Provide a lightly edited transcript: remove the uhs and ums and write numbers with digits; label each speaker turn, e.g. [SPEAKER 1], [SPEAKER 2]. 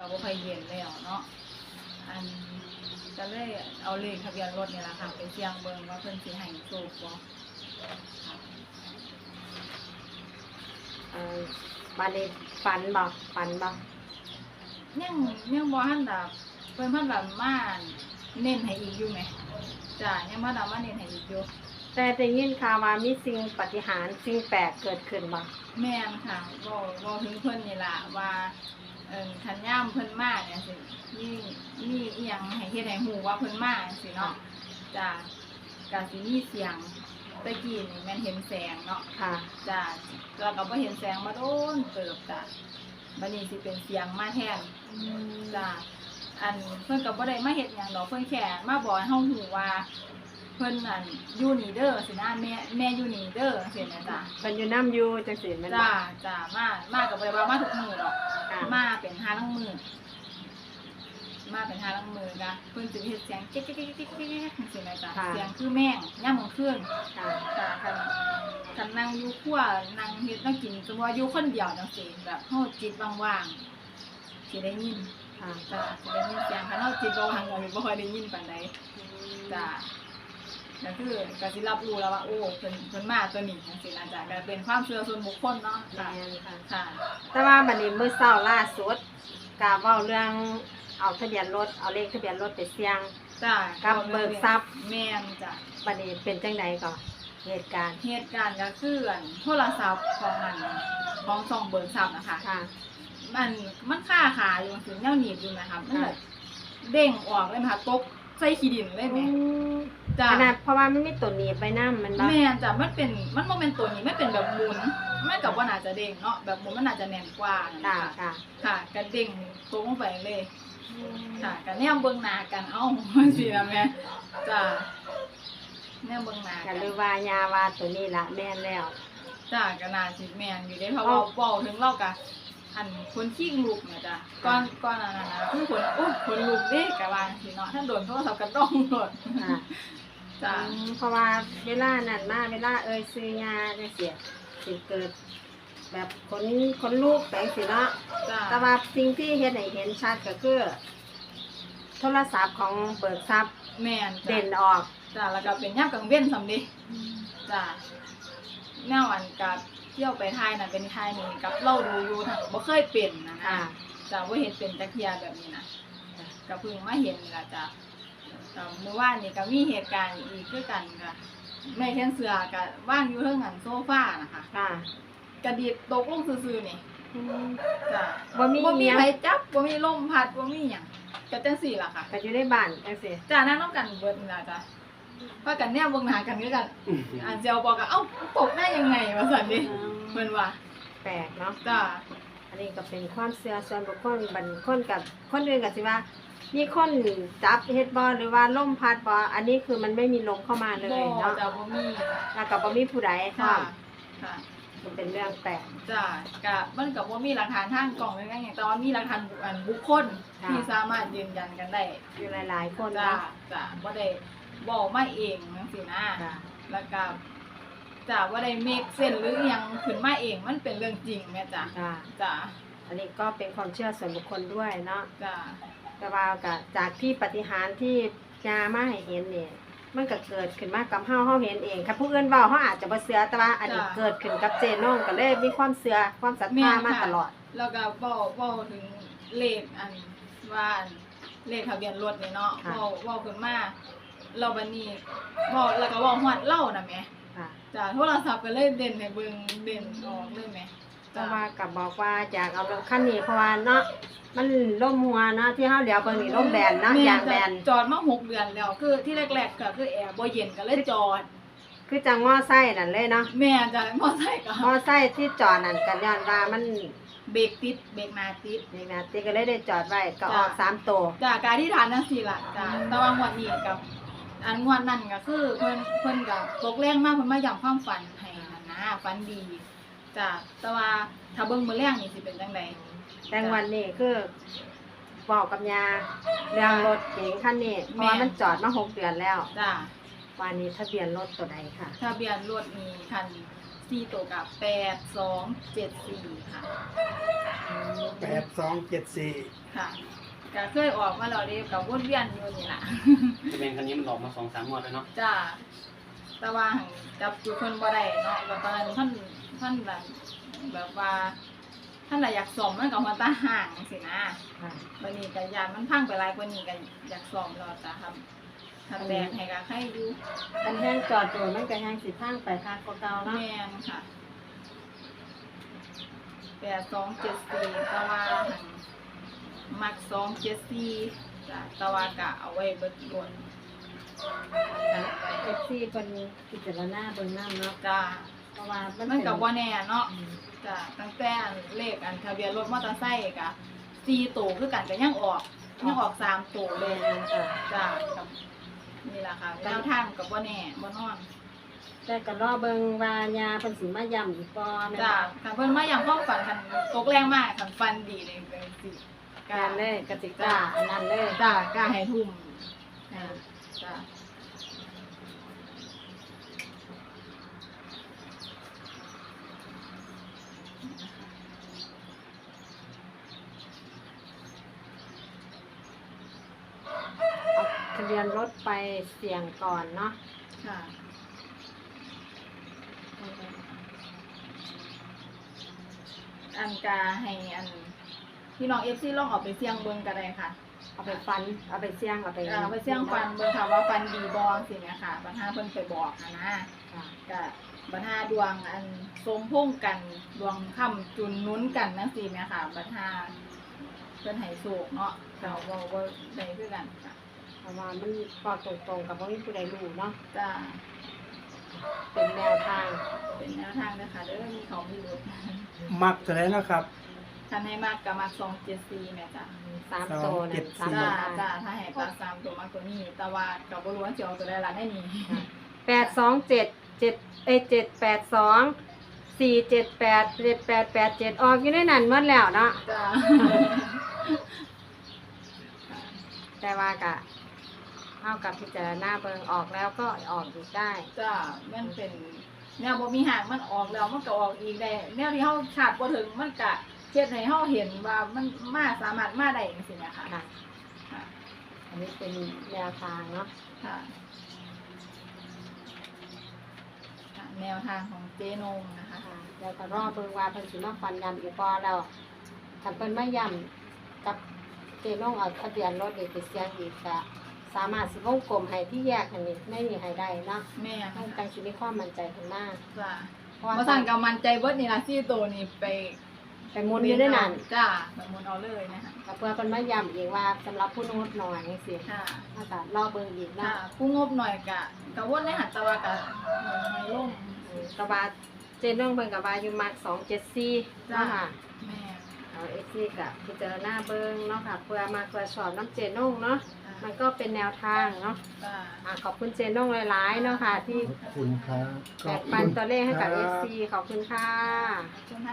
[SPEAKER 1] ก็บ่ค่อยเย็นแล้วเนาะอันก็เลยเอาเลขทะเบียนรถนี่ล่ะค่ะไปเสี่ยงเบิ่งว่าเพิ่นสิให้โชคบ่ค่ะ
[SPEAKER 2] บัดนี้ฝันบ่
[SPEAKER 1] ยังบ่ทันดอกเพิ่นมาแบบมาเน้นให้อีกอยู่แหมจ้ะยังมาดมาเน้นให้อีกอยู่
[SPEAKER 2] แต่ได้ยินข่าวว่ามีสิ่งปาฏิหาริย์สิ่งแปลกเกิดขึ้นบ่
[SPEAKER 1] แม่นค่ะบ่ถึงเพิ่นนี่ล่ะว่าคันยามเพิ่นมาเนี่ยสิมีอีหยังให้เฮ็ดให้ฮู้ว่าเพิ่นมาจังซี่เนาะจ้ะก็สิมีเสียงตะกี้นี่แม่นเห็นแสงเนาะ
[SPEAKER 2] ค่ะ
[SPEAKER 1] จ้ะแล้วก็บ่เห็นแสงมาโดนเติบจ้ะบัดนี้สิเป็นเสียงมาแทนจ้ะอันเพิ่นก็บ่ได้มาเฮ็ดหยังดอกเพิ่นแค่มาบอกให้เฮาฮู้ว่าเพิ่นนั่นอยู่นี่เด้อสินะแม่อยู่นี่เด้อจังซี่นะจ้ะ
[SPEAKER 2] เพิ่นอยู่น้ำอยู่จังซี่แม่นบ่
[SPEAKER 1] จ้ามากับบ่ได้ว่ามาทุกมื้อหรอก
[SPEAKER 2] ค่ะ
[SPEAKER 1] มาเป็น5ลังมื้อมาเป็น5ลังมื้อกะเพิ่นสิเฮ็ดเสียงเก๊กๆๆๆๆจังซี่นะจ้ะเสียงคือแม่งยามมื้อคืน
[SPEAKER 2] ค่ะ
[SPEAKER 1] จ้ะคันนั่งอยู่ครัวนั่งเฮ็ดนั่งกินสมมุติว่าอยู่คนเดียวจังซี่แบบเฮาจิตว่างๆสิได้ยิน
[SPEAKER 2] ค่ะ
[SPEAKER 1] จ้ะสิได้ยินเสียงคันเฮาจิตบ่ว่างก็สิบ่ค่อยได้ยินปานใดจ้ะก็คือก็สิรับรู้แล้วว่าโอ้เพิ่นมาตัวนี้จังซี่นะจ้ะก็เป็นความเชื่อส่วนบุคคลเนาะ
[SPEAKER 2] แม่
[SPEAKER 1] ค่ะ
[SPEAKER 2] นค่ะ
[SPEAKER 1] ค่ะ
[SPEAKER 2] แต่ว่าบัดนี้มื้อเช้าล่าสุดก็เว้าเรื่องเอาทะเบียนรถเอาเลขทะเบียนรถไปเสี่ยง
[SPEAKER 1] จ้ะ
[SPEAKER 2] กับเบิกทรัพย์
[SPEAKER 1] แม่นจ้ะ
[SPEAKER 2] บัดนี้เป็นจังไดก่อนเหตุการณ์
[SPEAKER 1] เหตุการณ์ก็คืออันโทรศัพท์ของมันของช่องเบิกทรัพย์นะคะ
[SPEAKER 2] ค่ะ
[SPEAKER 1] มันค่าขาอยู่ถึงแนวหนีบอยู่นะคะมันแบบเด้งออกเลยนะคะตกใส่ขี้ดินเลยแหม่จ้ะ
[SPEAKER 2] ขนาดเพราะว่ามันมีตัวหนีบไปนำมันบ่
[SPEAKER 1] แม่นจ้ะมันบ่แม่นตัวนี้มันเป็นแบบหมุนมันก็บ่น่าจะเด้งเนาะแบบหมุนมันน่าจะแน่นกว่านะ
[SPEAKER 2] ค่ะ
[SPEAKER 1] คะ
[SPEAKER 2] ค่ะ
[SPEAKER 1] ค่ะก็เด้งตรงลงไปเลยค่ะก็แนมเบิ่งหน้ากันเอ้า จังซี่ล่ะแม่จ้ะแนมเบิ่งหน้า
[SPEAKER 2] ก็
[SPEAKER 1] กัน
[SPEAKER 2] หรือว่ายาว่าตัวนี้ล่ะแม่นแล้ว
[SPEAKER 1] จ้าก็น่าสิแม่นอยู่เด้เพราะว่าเว้าถึงเราก็อันคนขี้ลุกเนี่ยจ้ะก่อนอันนั้นน่ะคือคนลุกเด้ก็ว่าจังซี่เนาะถ้าโดนโทรศัพท์ก็ต้องโดน
[SPEAKER 2] ค่ะ
[SPEAKER 1] จ้ะ
[SPEAKER 2] เพราะว่าเวลานั้นมาเวลาซื้อยาจังซี่สิเกิด แบบคนลูกแปลงสิเนาะ
[SPEAKER 1] จ้ะ
[SPEAKER 2] แต่ว่าสิ่งที่เฮ็ดให้เห็นชัดก็คือโทรศัพท์ของเบิกทรัพย์
[SPEAKER 1] แม่นจ้ะ
[SPEAKER 2] เด่นออก
[SPEAKER 1] จ้ะแล้วก็เป็นยามกลางเว้นซำเด้จ้ะแนวอันกับเที่ยวไปถ่ายน่ะเป็นถ่ายนี่กับเราดูอยู่ทั้งบ่เคยเป็นนะ
[SPEAKER 2] ค่ะ
[SPEAKER 1] จ้ะบ่เห็นเป็นจักเที่ยแบบนี้นะก็เพิ่งมาเห็นนี่ล่ะจ้ะเมื่อวานนี่ก็มีเหตุการณ์อีกคือกันค่ะแม่แค่นเสือก็ว่างอยู่เทิงอันโซฟานะคะ
[SPEAKER 2] ค่ะ
[SPEAKER 1] กระดิดตกลงซื่อๆนี่จ้ะ
[SPEAKER 2] บ่มี
[SPEAKER 1] บ่มี
[SPEAKER 2] อิหยัง
[SPEAKER 1] ไผจับบ่มีลมพัดบ่มีหยังก็จังซี่ล่ะค่ะ
[SPEAKER 2] ก็อยู่ในบ้านจังซี่
[SPEAKER 1] จ้านั่งนำกันเบิดนี่ล่ะจ้ะพากันแนมเบิ่งหน้ากันคือกันอันเจียวบอกก็เอ้าตกได้ยังไงว่าซั่นดิเพิ่นว่า
[SPEAKER 2] แปลกเนาะ
[SPEAKER 1] จ้า
[SPEAKER 2] อันนี้ก็เป็นความเชื่อส่วนบุคคลบัดคนกับคนอื่นก็สิว่า มีคนจับเฮ็ดบ่หรือว่าลมพัดบ่อันนี้คือมันไม่มีลมเข้ามาเลย
[SPEAKER 1] บ่
[SPEAKER 2] เนาะ
[SPEAKER 1] จ้าบ่มี
[SPEAKER 2] แล้วก็บ่มีผู้ใดพร้อ
[SPEAKER 1] ค่ะ
[SPEAKER 2] ม
[SPEAKER 1] ค่ะ
[SPEAKER 2] มันเป็นเรื่องแปลก
[SPEAKER 1] จ้าก็มันก็บ่มีหลักฐานทางกล้องเลยหยังแต่ว่ามีหลักฐานบุคคล
[SPEAKER 2] ค่ะ
[SPEAKER 1] ที่สามารถยืนยันกันได้
[SPEAKER 2] อยู่หลายๆคน
[SPEAKER 1] จ้า
[SPEAKER 2] เนาะ
[SPEAKER 1] จ้าบ่ได้บอกมาเองจังซี่นะ
[SPEAKER 2] ค่ะ
[SPEAKER 1] แล้วก็จ้าบ่ได้เมคเส้นหรืออิหยังขึ้นมาเองมันเป็นเรื่องจริงแม่จ้า
[SPEAKER 2] ค่ะ
[SPEAKER 1] จ้า
[SPEAKER 2] อันนี้ก็เป็นความเชื่อส่วนบุคคลด้วยเนาะ
[SPEAKER 1] จ้า
[SPEAKER 2] แต่ว่าก็จากที่ปฏิหารย์ที่ยามาให้เห็นนี่มันก็เกิดขึ้นมากับเฮาเห็นเองค่ะผู้อื่นเว้าเฮาอาจจะบ่เชื่อแต่ว่าอันนี้เกิดขึ้นกับเจน้องก็เลยมีความเชื่อความศรัทธามาตลอด
[SPEAKER 1] แล้วก็เว้าถึงเลขอันว่าอันเลขทะเบียนรถนี่เนาะ
[SPEAKER 2] ค่ะ
[SPEAKER 1] เว้าขึ้นมาเราบัดนี้เว้าแล้วก็เว้าฮอดเล่าน่ะแหม
[SPEAKER 2] ค่ะ
[SPEAKER 1] จ้าโทรศัพท์ก็เลยเด่นให้เบิ่งเด่นออกเลยแหม
[SPEAKER 2] แต่ว่าก็บอกว่าอยากเอารถคันนี้เพราะว่าเนาะมันล่มหัวเนาะที่เฮาเดี๋ยวเบิ่งนี่ล่มแบนเนาะ
[SPEAKER 1] แม่
[SPEAKER 2] ยางแบน
[SPEAKER 1] จอดมา6เดือนแล้วคือที่แรกๆก็คือแอร์บ่เย็นก็เลยจอด
[SPEAKER 2] คือจังมอไซค์นั่นเลยเนาะ
[SPEAKER 1] แม่จ้ะมอไซค์ก็
[SPEAKER 2] มอไซค์ที่จอดนั่นก็ย้อนว่ามัน
[SPEAKER 1] เบรกติดเบรกหน้าติด
[SPEAKER 2] นี่นะติก็เลยได้จอดไว้ก็ออก
[SPEAKER 1] จ้ะ
[SPEAKER 2] 3ตัว
[SPEAKER 1] จ้ะการที่ฐานจังซี่ล่ะจ้ะแต่ว่างวดนี้กับอันงวดนั้นก็คือเพิ่นก็ตกแรงมากเพิ่นมาย้ำความฝันให้นั่นนะฝันดีจ้ะแต่ว่าถ้าเบิ่งมื้อแรงนี่สิเป็นจังได
[SPEAKER 2] แต่วันนี้คือบอกกับยาเรื่องรถเก๋งคันนี้เพราะว่ามันจอดมา6 เดือนแล้ว
[SPEAKER 1] จ้ะ
[SPEAKER 2] วันนี้ทะเบียนรถตัวใดค่ะ
[SPEAKER 1] ทะเบียนรถนี่คัน 4ตัวกับ8274ค่ะ
[SPEAKER 3] 8274
[SPEAKER 1] ค่ะก็เคยออกมาแล้วเด้ก็วนเวียนอยู่นี่ล่ะ
[SPEAKER 4] ทะเบียนคันนี้มันออกมา 2-3 งวดแล้วเนาะ
[SPEAKER 1] จ้าแต่ว่าหั่นจับอยู่เพิ่นบ่ได้เนาะก็ตอนนั้นท่านแบบว่าท่านน่ะอยากซ่อมมันก็หัวตาห่างจังซี่นะ
[SPEAKER 2] ค่ะ
[SPEAKER 1] บัดนี้ก็ยานมันพังไปหลายกว่านี้ก็อยากซ่อมแล้วจ้ะครับถ้าแตกให้ก็ใครอยู่
[SPEAKER 2] อันแห้งจอดตัวมันก็แห้งสิพังไปคักกว่าเก่าเนาะ
[SPEAKER 1] แม่นค่ะ8274แต่ว่าหั่นมัก274จ้ะแต่ว่าก็เอาไว้เบิดล้วน
[SPEAKER 2] เอฟซีเพิ่นพิจารณาเบิ่งนำเนาะ
[SPEAKER 1] จ้า
[SPEAKER 2] เพราะว่ามัน
[SPEAKER 1] มันก็บ่แน่เนาะ
[SPEAKER 2] อืม
[SPEAKER 1] จ้ะตั้งแต่เลขทะเบียนรถมอเตอร์ไซค์ก็4ตัวคือกันก็ยังออก3ตัวเลย
[SPEAKER 2] ค่ะ
[SPEAKER 1] จ้ะกับนี่ล่ะค่ะแนวทางก็บ่แน่บ่นอน
[SPEAKER 2] แต่ก็รอเบิ่งว่ายาเพิ่นสิมาย้ำอีกบ่แม่น
[SPEAKER 1] จ้ะ
[SPEAKER 2] บ่
[SPEAKER 1] ถ้าเพิ่นมาอย่างความฝันคันตกแรงมากคันฟันดีเลยก็สิ
[SPEAKER 2] การเลยกติกาอันนั้นเลย
[SPEAKER 1] จ้ะกล้าให้ทุ่มจ้ะ
[SPEAKER 2] เอาทะเบียนรถไปเสี่ยงก่อนเนาะ
[SPEAKER 1] ค่ะอันกาให้อันพี่น้อง FC ลองเอาไปเสี่ยงเบิ่งก็ได้ค่ะ
[SPEAKER 2] เอาไปฟันเอาไปเสี่ยงเอาไป
[SPEAKER 1] ไปเสี่ยงฟันเบิ่งค่ะว่าฟันดีบ่สิแม่ค่ะบรรหาเพิ่นไปบอกนะ
[SPEAKER 2] ค่ะ
[SPEAKER 1] ก็บรรหาดวงอันสมพงษ์กันดวงค่ำจุนหนุนกันจังซี่แม่ค่ะบรรหาเพิ่นให้โชคเนาะก็เว้าบ่ได้คือกันค่ะ
[SPEAKER 2] เพราะว่ามันบอกตรงๆกับบ่มีผู้ใดรู้เนาะ
[SPEAKER 1] จ้า
[SPEAKER 2] เป็นแนวทาง
[SPEAKER 1] เป็นแนวทางเด้อค่ะเด้อมีเขามีรถ
[SPEAKER 3] มักเท่าไหร่นะครับ
[SPEAKER 1] คันให้มากก็มัก274แม่จ้ะ
[SPEAKER 2] 3ตัวนั่น
[SPEAKER 3] 274
[SPEAKER 1] จ้า
[SPEAKER 2] 3ตัว
[SPEAKER 1] จ้าถ้าให้ปลา3ตัวมากกว่านี้แต่ว่าก็บ่รู้ว่าสิเอาตัวใดล่ะได้นี่
[SPEAKER 2] 82778478878ออกอยู่ในนั้นหมดแล้วเนาะ
[SPEAKER 1] จ้า
[SPEAKER 2] แต่ว่าก็เฮากับพิจารณาเบิ่งออกแล้วก็ออกอีกได้
[SPEAKER 1] จ้ามันเป็นแนวบ่มีหางมันออกแล้วมันก็ออกอีกได้แนวที่เฮาคาดบ่ถึงมันก็เฮ็ดให้เฮาเห็นว่ามันมาสามารถมาได้จังซี่นะคะ
[SPEAKER 2] ค่ะ
[SPEAKER 1] ค่ะ
[SPEAKER 2] อันนี้เป็นแนวทางเนาะ
[SPEAKER 1] ค่ะค่ะแนวทางของเจนงนะคะ
[SPEAKER 2] ค่ะแล้วก็รอเบิ่งว่าเพิ่นสิมาฟันยำอีกบ่แล้วถ้าเพิ่นมายำกับเจน้องเอาทะเบียนรถนี่ไปเสี่ยงอีกก็สามารถสิวงกลมให้ที่แยกอันนี้ไม่มีให้ได้เนาะ
[SPEAKER 1] แม่
[SPEAKER 2] ต้อง
[SPEAKER 1] ค่ะ
[SPEAKER 2] การสิมีความมั่นใจขึ้นมา
[SPEAKER 1] จ้า
[SPEAKER 2] เพราะว่า
[SPEAKER 1] บ่สั่นก็มั่นใจเบิดนี่ล่ะ4ตัวนี่ไป
[SPEAKER 2] ไปหมุนอยู่ในนั้น
[SPEAKER 1] จ้าไปหมุนเอาเลยนะคะ
[SPEAKER 2] ก็เพื่อเพิ่นมายำอีกว่าสำหรับผู้งดน้อยจังซี่
[SPEAKER 1] ค่ะ
[SPEAKER 2] ถ้าก็รอเบิ่งอีก
[SPEAKER 1] ค่ะ
[SPEAKER 2] เนาะ
[SPEAKER 1] ผู้งบหน่อยกะวนในหันตะวากะในร่ม
[SPEAKER 2] ก็ว่าเจน้องเพิ่นก็ว่าอยู่มัก274
[SPEAKER 1] จ้า
[SPEAKER 2] เนาะค่ะ
[SPEAKER 1] แม่
[SPEAKER 2] เอาเอซี่กับพิจารณาเบิ้งเนาะค่ะเพื่อมาตรวจสอบน้ำเจนงเนาะมันก็เป็นแนวทางเนาะ
[SPEAKER 1] จ้า
[SPEAKER 2] ขอบคุณเจนงหลายๆเนาะค่ะที่
[SPEAKER 3] ขอบคุณครับ
[SPEAKER 2] แบ่งปันตัวเลขให้กับเอซีขอบคุณค่ะ
[SPEAKER 1] ขอบคุณค่ะ